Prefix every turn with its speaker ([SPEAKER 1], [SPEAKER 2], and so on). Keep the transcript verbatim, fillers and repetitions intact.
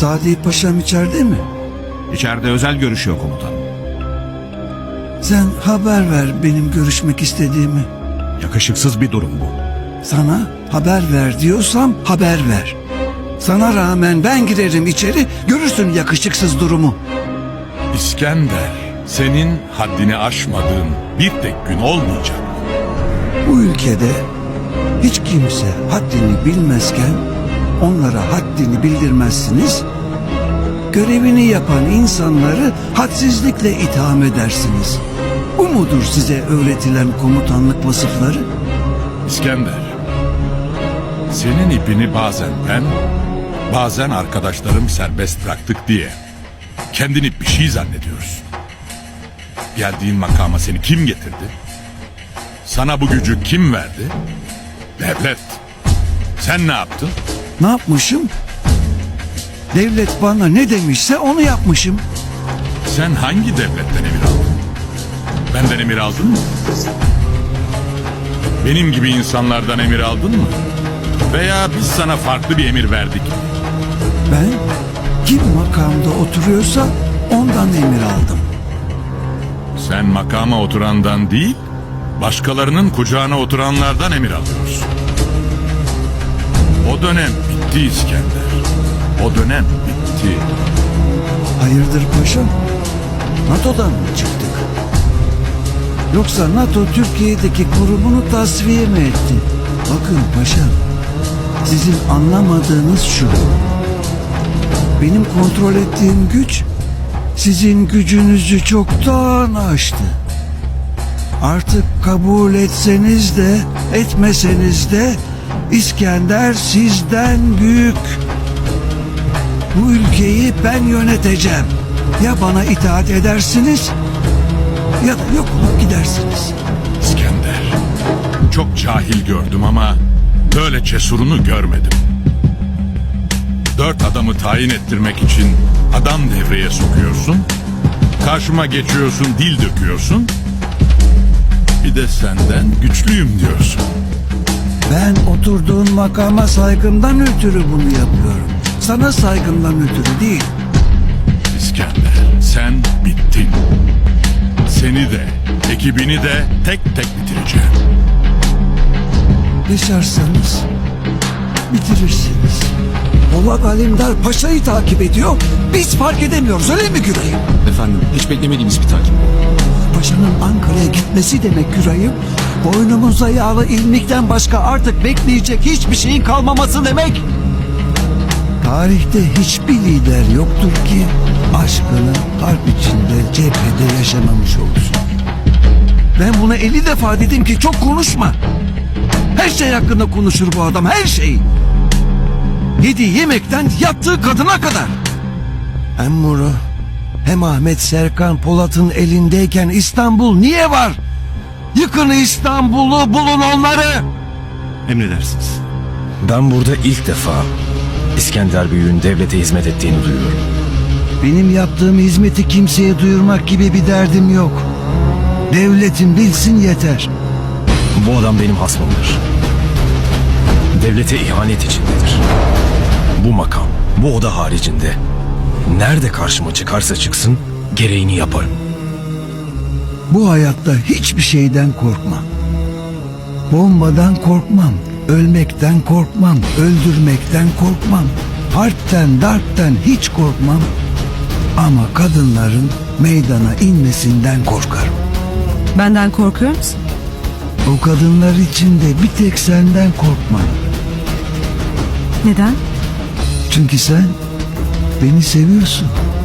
[SPEAKER 1] Sadi Paşam içeride mi?
[SPEAKER 2] İçeride özel görüşüyor komutanım.
[SPEAKER 1] Sen haber ver benim görüşmek istediğimi.
[SPEAKER 2] Yakışıksız bir durum bu.
[SPEAKER 1] Sana haber ver diyorsam haber ver. Sana rağmen ben girerim içeri, görürsün yakışıksız durumu.
[SPEAKER 3] İskender, senin haddini aşmadığın bir tek gün olmayacak.
[SPEAKER 1] Bu ülkede hiç kimse haddini bilmezken onlara haddini bildirmezsiniz. Görevini yapan insanları hadsizlikle itham edersiniz. Bu mudur size öğretilen komutanlık vasıfları?
[SPEAKER 3] İskender, senin ipini bazen ben, bazen arkadaşlarım serbest bıraktık diye kendini bir şey zannediyorsun. Geldiğin makama seni kim getirdi? Sana bu gücü kim verdi? Devlet. Sen ne yaptın?
[SPEAKER 1] Ne yapmışım? Devlet bana ne demişse onu yapmışım.
[SPEAKER 3] Sen hangi devletten emir aldın? Benden emir aldın mı? Benim gibi insanlardan emir aldın mı? Veya biz sana farklı bir emir verdik mi?
[SPEAKER 1] Ben kim makamda oturuyorsa ondan emir aldım.
[SPEAKER 3] Sen makama oturandan değil, başkalarının kucağına oturanlardan emir alıyorsun. O dönem bitti İskender. O dönem bitti.
[SPEAKER 1] Hayırdır paşam? NATO'dan mı çıktık? Yoksa NATO Türkiye'deki kurumunu tasfiye mi etti? Bakın paşam, sizin anlamadığınız şu. Benim kontrol ettiğim güç sizin gücünüzü çoktan aştı. Artık kabul etseniz de etmeseniz de İskender sizden büyük. Bu ülkeyi ben yöneteceğim. Ya bana itaat edersiniz ya da yok olup gidersiniz.
[SPEAKER 3] İskender, çok cahil gördüm ama böyle cesurunu görmedim. Dört adamı tayin ettirmek için adam devreye sokuyorsun, karşıma geçiyorsun, dil döküyorsun, bir de senden güçlüyüm diyorsun.
[SPEAKER 1] Ben oturduğun makama saygımdan ötürü bunu yapıyorum. Sana saygımdan ötürü değil.
[SPEAKER 3] İskender, sen bittin. Seni de, ekibini de tek tek bitireceğim.
[SPEAKER 1] Yaşarsanız bitirirsiniz. Polat Alemdar Paşa'yı takip ediyor. Biz fark edemiyoruz, öyle mi Güray'ım?
[SPEAKER 4] Efendim, hiç beklemediğimiz bir takip.
[SPEAKER 1] Paşa'nın Ankara'ya gitmesi demek Güray'ım. Boynumuza yağlı ilmikten başka artık bekleyecek hiçbir şeyin kalmaması demek. Tarihte hiçbir lider yoktur ki aşkını harp içinde cephede yaşamamış olsun. Ben buna elli defa dedim ki çok konuşma. Her şey hakkında konuşur bu adam, her şey. Yediği yemekten yattığı kadına kadar. Hem Muru hem Ahmet Serkan Polat'ın elindeyken İstanbul niye var? Yıkın İstanbul'u, bulun onları.
[SPEAKER 2] Emredersiniz.
[SPEAKER 4] Ben burada ilk defa İskender Büyük'ün devlete hizmet ettiğini duyuyorum.
[SPEAKER 1] Benim yaptığım hizmeti kimseye duyurmak gibi bir derdim yok. Devletin bilsin yeter.
[SPEAKER 4] Bu adam benim hasmımdır. Devlete ihanet içindedir. Bu makam, bu oda haricinde nerede karşıma çıkarsa çıksın gereğini yaparım.
[SPEAKER 1] Bu hayatta hiçbir şeyden korkmam. Bombadan korkmam, ölmekten korkmam, öldürmekten korkmam. Harpten, darpten hiç korkmam. Ama kadınların meydana inmesinden korkarım.
[SPEAKER 5] Benden korkuyor musun?
[SPEAKER 1] O kadınlar için de bir tek senden korkmam.
[SPEAKER 5] Neden?
[SPEAKER 1] Çünkü sen beni seviyorsun.